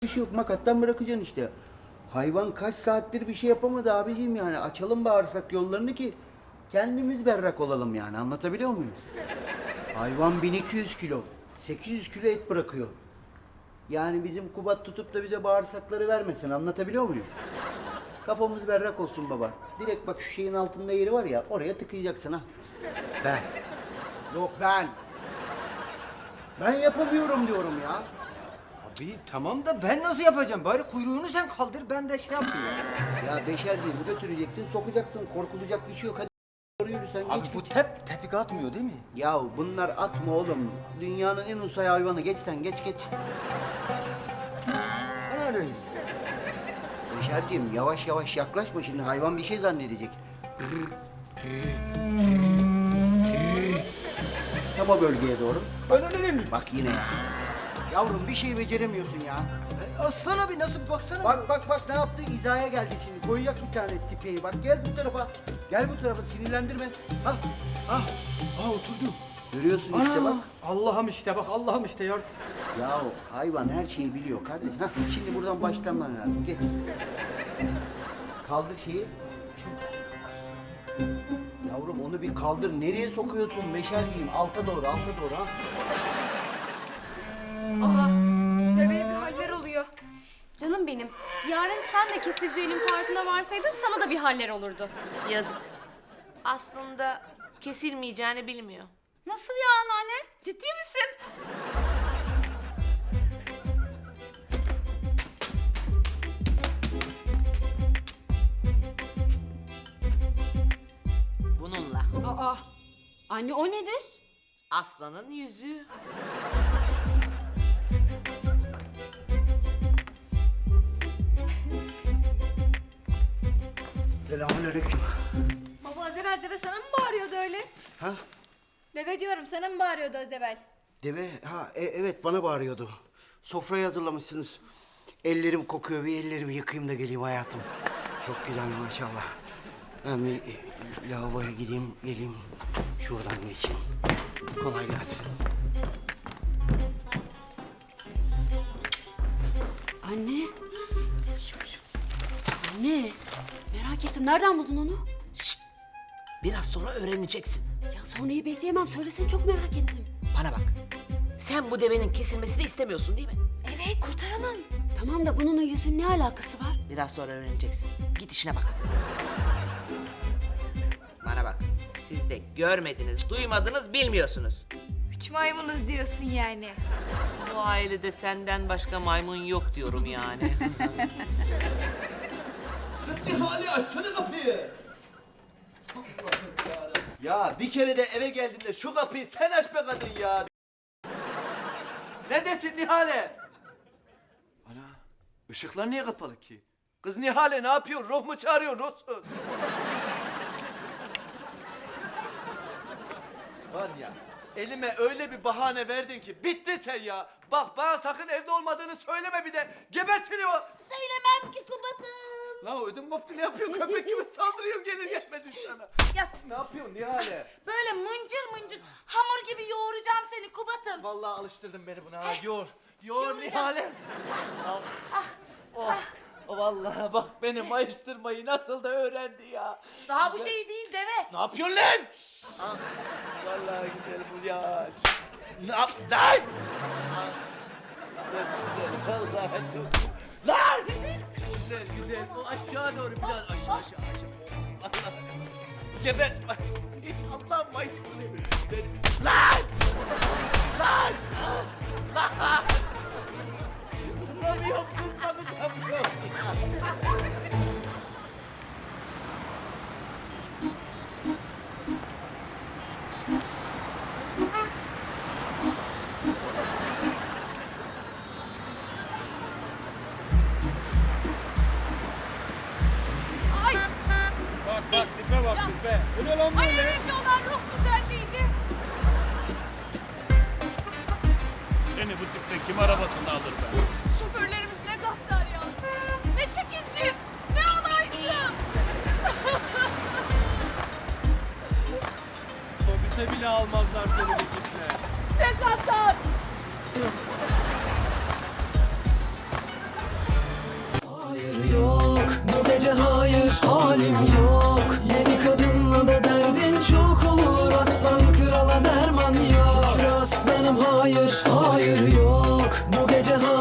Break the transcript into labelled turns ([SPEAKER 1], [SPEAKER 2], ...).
[SPEAKER 1] bir şey yok. Makattan bırakacaksın işte. Hayvan kaç saattir bir şey yapamadı abiciğim yani. Açalım bağırsak yollarını ki kendimiz berrak olalım yani. Anlatabiliyor muyum? Hayvan 1200 kilo. 800 kilo et bırakıyor. Yani bizim Kubat tutup da bize bağırsakları vermesin. Anlatabiliyor muyum? Kafamız berrak olsun baba. Direkt bak şu şeyin altında yeri var ya, oraya tıkayacaksın ha. Ben. Yok ben. Ben yapamıyorum diyorum ya.
[SPEAKER 2] Abi tamam da ben nasıl yapacağım? Bari kuyruğunu sen kaldır, ben de şey yapayım.
[SPEAKER 1] Ya beşerciğimi götüreceksin, sokacaksın. Korkulacak bir şey yok. Hadi doğru yürü sen.
[SPEAKER 2] Abi
[SPEAKER 1] geç,
[SPEAKER 2] bu
[SPEAKER 1] geç.
[SPEAKER 2] tepik atmıyor değil mi?
[SPEAKER 1] Ya bunlar atma oğlum. Dünyanın en usay hayvanı. Geç sen, geç.
[SPEAKER 2] Ben öyle.
[SPEAKER 1] Beşerciğim yavaş yavaş yaklaşma şimdi. Hayvan bir şey zannedecek. Tam o bölgeye doğru.
[SPEAKER 2] Ben öyle mi?
[SPEAKER 1] Bak yine ya. Yavrum bir şey beceremiyorsun ya.
[SPEAKER 2] Aslan abi nasıl baksana.
[SPEAKER 1] Bak ne yaptı? İzaya geldi şimdi. Koyacak bir tane tipeyi. Bak gel bu tarafa. Gel bu tarafa. Sinirlendirme. Ha.
[SPEAKER 2] Oturdu.
[SPEAKER 1] Görüyorsun işte bak.
[SPEAKER 2] Allah'ım işte bak, Allah'ım işte ya.
[SPEAKER 1] Ya hayvan her şeyi biliyor kardeş. Hah, şimdi buradan başlaman lazım. Geç. Kaldır şeyi. Yavrum onu bir kaldır. Nereye sokuyorsun? Meşer diyeyim. Alta doğru ha.
[SPEAKER 3] Aha, deveye bir haller oluyor.
[SPEAKER 4] Canım benim, yarın sen de kesileceğinin farkına varsaydın sana da bir haller olurdu.
[SPEAKER 5] Yazık. Aslında kesilmeyeceğini bilmiyor.
[SPEAKER 3] Nasıl ya anneanne? Ciddi misin?
[SPEAKER 5] Bununla.
[SPEAKER 3] Aa, anne o nedir?
[SPEAKER 5] Aslanın yüzüğü.
[SPEAKER 1] Selamünaleyküm.
[SPEAKER 3] Baba az evvel deve sana mı bağırıyordu öyle?
[SPEAKER 1] Ha?
[SPEAKER 3] Deve diyorum sana mı bağırıyordu az evvel?
[SPEAKER 1] Deve, evet bana bağırıyordu. Sofrayı hazırlamışsınız. Ellerim kokuyor, bir ellerimi yıkayayım da geleyim hayatım. Çok güzel maşallah. Ben bir lavaboya gideyim, geleyim. Şuradan geçeyim. Kolay gelsin.
[SPEAKER 4] Anne. Anne, merak ettim. Nereden buldun onu?
[SPEAKER 5] Biraz sonra öğreneceksin.
[SPEAKER 4] Ya sonrayı bekleyemem. Söylesene, çok merak ettim.
[SPEAKER 5] Bana bak. Sen bu devenin kesilmesini istemiyorsun değil mi?
[SPEAKER 4] Evet, kurtaralım. Tamam da bununla yüzün ne alakası var?
[SPEAKER 5] Biraz sonra öğreneceksin. Git işine bak. Bana bak. Siz de görmediniz, duymadınız, bilmiyorsunuz.
[SPEAKER 3] Üç maymunuz diyorsun yani.
[SPEAKER 5] Bu ailede senden başka maymun yok diyorum yani.
[SPEAKER 2] Kız bir hali açsana kapıyı. Ya bir kere de eve geldiğinde şu kapıyı sen aç be kadın ya. Neredesin Nihale? Ana, ışıklar niye kapalı ki? Kız Nihale ne yapıyor? Ruh mu çağırıyor, ruhsuz? Var ya, elime öyle bir bahane verdin ki bitti sen ya. Bak bana sakın evde olmadığını söyleme bir de. Gebert seni o.
[SPEAKER 5] Söylemem ki Kubat'ım.
[SPEAKER 2] La ödüm koptu, ne yapıyorsun? Köpek gibi saldırıyor gelir gelmedin sana.
[SPEAKER 5] Yat.
[SPEAKER 2] Ne yapıyorsun Nihale?
[SPEAKER 5] Böyle mıncır hamur gibi yoğuracağım seni Kubat'ım.
[SPEAKER 2] Vallahi alıştırdın beni buna ha. Yoğur Nihale. Oh. Vallahi bak beni mayıştırmayı nasıl da öğrendi ya.
[SPEAKER 5] Daha bu şey değil deve.
[SPEAKER 2] Ne yapıyorsun lan? Vallahi güzel bu ya. Ne yap lan? Güzel vallahi çok. Lan! Güzel o aşağı doğru biraz aşağı. Oh, Allah. Geber. Allah mayıştırıyor. Lan! Kızamıyorum, kızamıyorum.
[SPEAKER 3] Ay,
[SPEAKER 6] Bak tipe bak tipe. Bu ne lan
[SPEAKER 3] ay
[SPEAKER 6] böyle?
[SPEAKER 3] evet diyorlar ruh güzelliğiydi.
[SPEAKER 6] Seni bu tiple kim arabasını alır be?
[SPEAKER 3] Şoförlerimiz ne gaddar ya. Ne şekilci, ne alaycı.
[SPEAKER 6] Otobüse bile almazlar seni bu tiple.
[SPEAKER 3] Ne gaddar.
[SPEAKER 7] hayır, hayır yok. Bu gece hayır